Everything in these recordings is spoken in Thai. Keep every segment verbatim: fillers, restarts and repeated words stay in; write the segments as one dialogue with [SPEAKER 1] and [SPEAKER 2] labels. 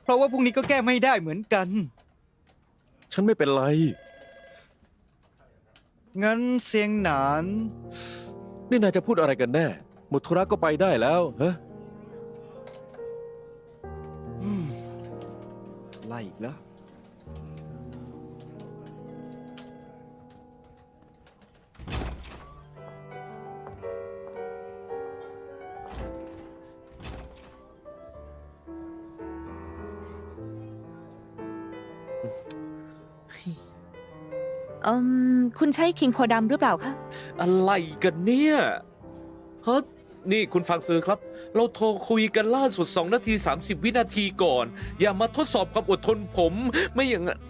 [SPEAKER 1] เพราะว่าพรุ่งนี้ก็แก้ไม่ได้เหมือนกัน
[SPEAKER 2] ฉันไม่เป็นไร
[SPEAKER 1] งั้นเซียงหนาน
[SPEAKER 2] นี่นายจะพูดอะไรกันแน่ หมดธุระก็ไปได้แล้วฮะ
[SPEAKER 1] อืมไล่อีกแล้ว
[SPEAKER 3] อืมคุณใช้คิงโพดำหรือเปล่าคะ
[SPEAKER 4] อะไรกันเนี่ยฮะนี่คุณฟังซื้อครับ เราโทรคุยกันล่าสุดสองนาทีสามสิบวินาทีก่อน อย่ามาทดสอบความอดทนผม ไม่อย่างนั้น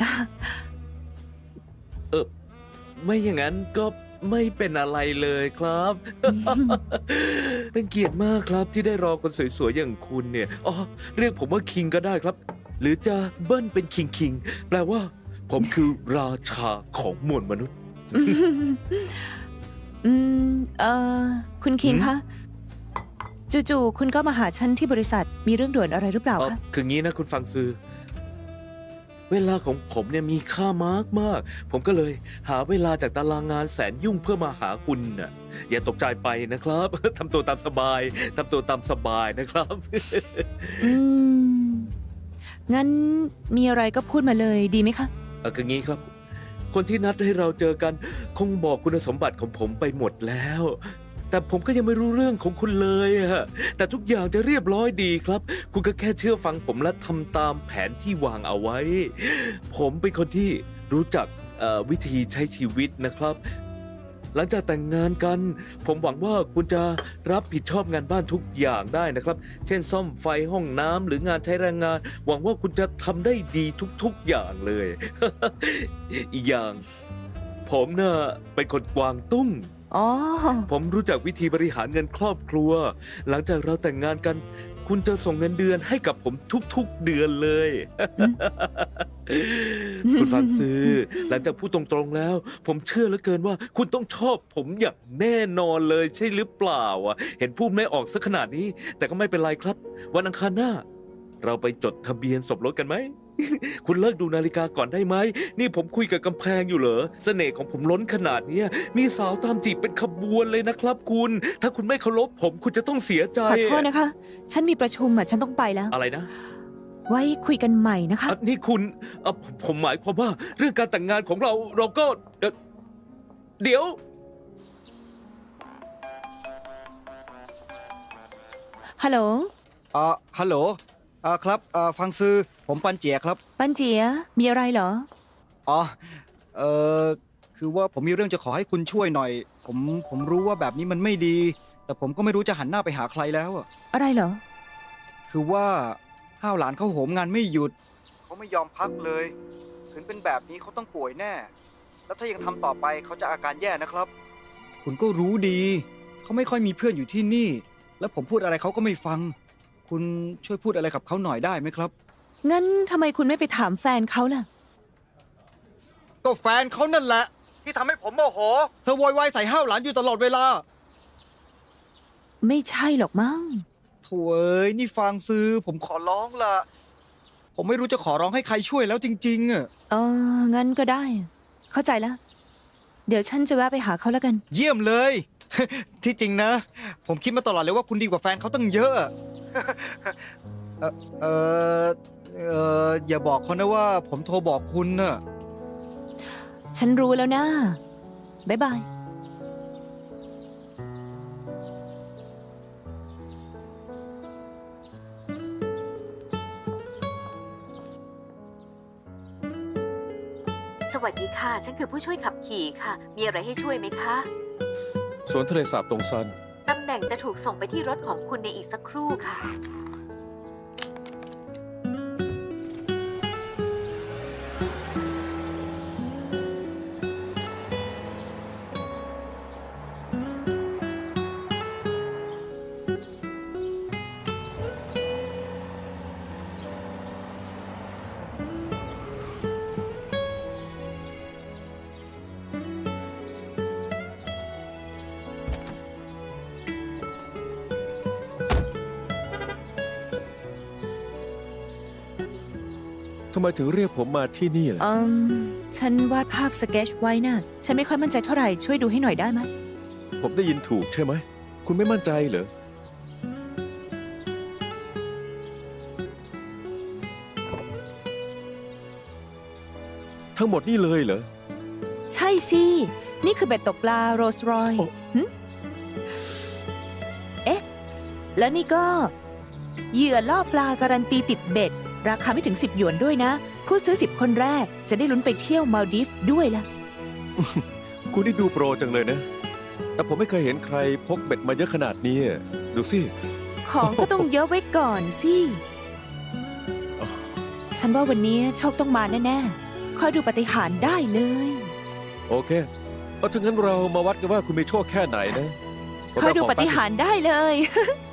[SPEAKER 4] เออไม่อย่างนั้นก็ไม่เป็นอะไรเลยครับ เป็นเกียรติมากครับที่ได้รอคนสวยๆอย่างคุณเนี่ยอ๋อเรียกผมว่าคิงก็ได้ครับ หรือจะเบิ้ลเป็นคิงคิงแปลว่า ผมคือราชาของมวลมนุษย์
[SPEAKER 3] อืมเอ่อคุณคิง
[SPEAKER 4] หืม
[SPEAKER 3] คะจู่ๆคุณก็มาหาฉันที่บริษัทมีเรื่องด่วนอะไรหรือเปล่า
[SPEAKER 4] อ๋อ
[SPEAKER 3] คะ
[SPEAKER 4] คืองี้นะคุณฟังซื้อ เวลาของผมเนี่ยมีค่ามากมากๆผมก็เลยหาเวลาจากตารางงานแสนยุ่งเพื่อมาหาคุณน่ะอย่าตกใจไปนะครับ ทำตัวตามสบายทำตัวตามสบายนะครับ
[SPEAKER 3] อืมงั้นมีอะไรก็พูดมาเลยดีไหมคะ
[SPEAKER 4] เออคืองี้ครับ คนที่นัดให้เราเจอกันคงบอกคุณสมบัติของผมไปหมดแล้ว แต่ผมก็ยังไม่รู้เรื่องของคุณเลยอะแต่ทุกอย่างจะเรียบร้อยดีครับ คุณก็แค่เชื่อฟังผมและทำตามแผนที่วางเอาไว้ ผมเป็นคนที่รู้จักเอ่อวิธีใช้ชีวิตนะครับ หลังจากแต่งงานกัน ผมหวังว่าคุณจะรับผิดชอบงานบ้านทุกอย่างได้นะครับ เช่นซ่อมไฟห้องน้ำหรืองานใช้แรงงาน หวังว่าคุณจะทำได้ดีทุกๆอย่างเลย อีกอย่าง ผมน่ะเป็นคนกวางตุ้ง
[SPEAKER 3] อ๋อ
[SPEAKER 4] ผมรู้จักวิธีบริหารเงินครอบครัว หลังจากเราแต่งงานกัน คุณจะส่งเงินเดือนให้กับผมทุกๆเดือนเลย คุณฟังซื้อ หลังจากพูดตรงๆแล้ว ผมเชื่อเหลือเกินว่า คุณต้องชอบผมอย่างแน่นอนเลยใช่หรือเปล่าอ่ะเห็นพูดไม่ออกสักขนาดนี้ แต่ก็ไม่เป็นไรครับ วันอังคารหน้า เราไปจดทะเบียนสมรสกันไหม คุณเลิกดูนาฬิกาก่อนได้ไหม นี่ผมคุยกับกำแพงอยู่เหรอ เสน่ห์ของผมล้นขนาดเนี้ยมีสาวตามจีบเป็นขบวนเลยนะครับคุณ ถ้าคุณไม่เคารพผมคุณจะต้องเสียใจ
[SPEAKER 3] ขอโทษนะคะ ฉันมีประชุมอ่ะ ฉันต้องไปแล้ว
[SPEAKER 4] อะไรนะ
[SPEAKER 3] ไว้คุยกันใหม่นะคะ
[SPEAKER 4] อ่ะนี่คุณอ่ะผมผมหมายความว่าเรื่องการแต่งงานของเราเราก็เอ่อเดี๋ยว
[SPEAKER 3] ฮัลโหล
[SPEAKER 1] อ่าฮัลโหลอ่าครับอ่าฟังซื้อผมปันเจียครับ
[SPEAKER 3] ปันเจีย มีอะไรเหรอ
[SPEAKER 1] อ๋อ เออคือว่าผมมีเรื่องจะขอให้คุณช่วยหน่อย ผมผมรู้ว่าแบบนี้มันไม่ดี แต่ผมก็ไม่รู้จะหันหน้าไปหาใครแล้วอะ
[SPEAKER 3] อะไรเหรอ
[SPEAKER 1] คือว่าห้าวหลานเขาโหมงานไม่หยุด เขาไม่ยอมพักเลย ถึงเป็นแบบนี้เขาต้องป่วยแน่ แล้วถ้ายังทำต่อไปเขาจะอาการแย่นะครับ คุณก็รู้ดี เขาไม่ค่อยมีเพื่อนอยู่ที่นี่ แล้วผมพูดอะไรเขาก็ไม่ฟัง คุณช่วยพูดอะไรกับเขาหน่อยได้ไหมครับ
[SPEAKER 3] งั้นทำไมคุณไม่ไปถามแฟนเขาล่ะ
[SPEAKER 1] ก็แฟนเขานั่นแหละ ที่ทำให้ผมโมโห เธอโวยวายใส่ห้าวหลานอยู่ตลอดเวลา
[SPEAKER 3] ไม่ใช่หรอกมั้ง
[SPEAKER 1] โถ่เอ้ยนี่ฟางซื้อผมขอร้องละผมไม่รู้จะขอร้องให้ใครช่วยแล้วจริงๆอะ
[SPEAKER 3] เออ งั้นก็ได้ เข้าใจแล้ว เดี๋ยวฉันจะแวะไปหาเขาแล้วกัน
[SPEAKER 1] เยี่ยมเลย ที่จริงนะ ผมคิดมาตลอดเลยว่าคุณดีกว่าแฟนเขาตั้งเยอะ เออเออเอออย่าบอกเขานะว่าผมโทรบอกคุณน่ะ
[SPEAKER 3] ฉันรู้แล้วนะ บ๊ายบาย
[SPEAKER 5] สวัสดีค่ะ ฉันคือผู้ช่วยขับขี่ค่ะ มีอะไรให้ช่วยไหมคะ
[SPEAKER 2] สวนทะเลสาบตรงซัน
[SPEAKER 5] ตำแหน่งจะถูกส่งไปที่รถของคุณในอีกสักครู่ค่ะ
[SPEAKER 2] ทำไมถึงเรียกผมมาที่นี่ล่ะ
[SPEAKER 3] อืม ฉันวาดภาพสเก็ตชไว้นะ่ะ ฉันไม่ค่อยมั่นใจเท่าไหร่ ช่วยดูให้หน่อยได้ไหม
[SPEAKER 2] ผมได้ยินถูกใช่ไหม คุณไม่มั่นใจเหรอ ทั้งหมดนี่เลยเหรอ
[SPEAKER 3] ใช่สิ นี่คือเบ็ดตกปลาโรสรอย
[SPEAKER 2] โอ้
[SPEAKER 3] หึเอ๊ะ แล้วนี่ก็ เหยื่อล่อปลาการันตีติดเบ็ด ราคาไม่ถึงสิบหยวนด้วยนะ ผู้ซื้อสิบคนแรกจะได้ลุ้นไปเที่ยวมาลดีฟด้วยล่ะ
[SPEAKER 2] คุณนี่ดูโปรจังเลยนะ แต่ผมไม่เคยเห็นใครพกเบ็ดมาเยอะขนาดนี้ ดูสิ
[SPEAKER 3] ของก็ต้องเยอะไว้ก่อนสิ
[SPEAKER 2] อ๋อ
[SPEAKER 3] ฉันว่าวันนี้โชคต้องมาแน่ๆ คอยดูปาฏิหาริย์ได้เลย
[SPEAKER 2] โอเค เอาถ้างั้นเรามาวัดกันว่าคุณมีโชคแค่ไหนนะผม
[SPEAKER 3] คอยดู
[SPEAKER 2] เาขง
[SPEAKER 3] ปาฏิหาริย์ได้เลย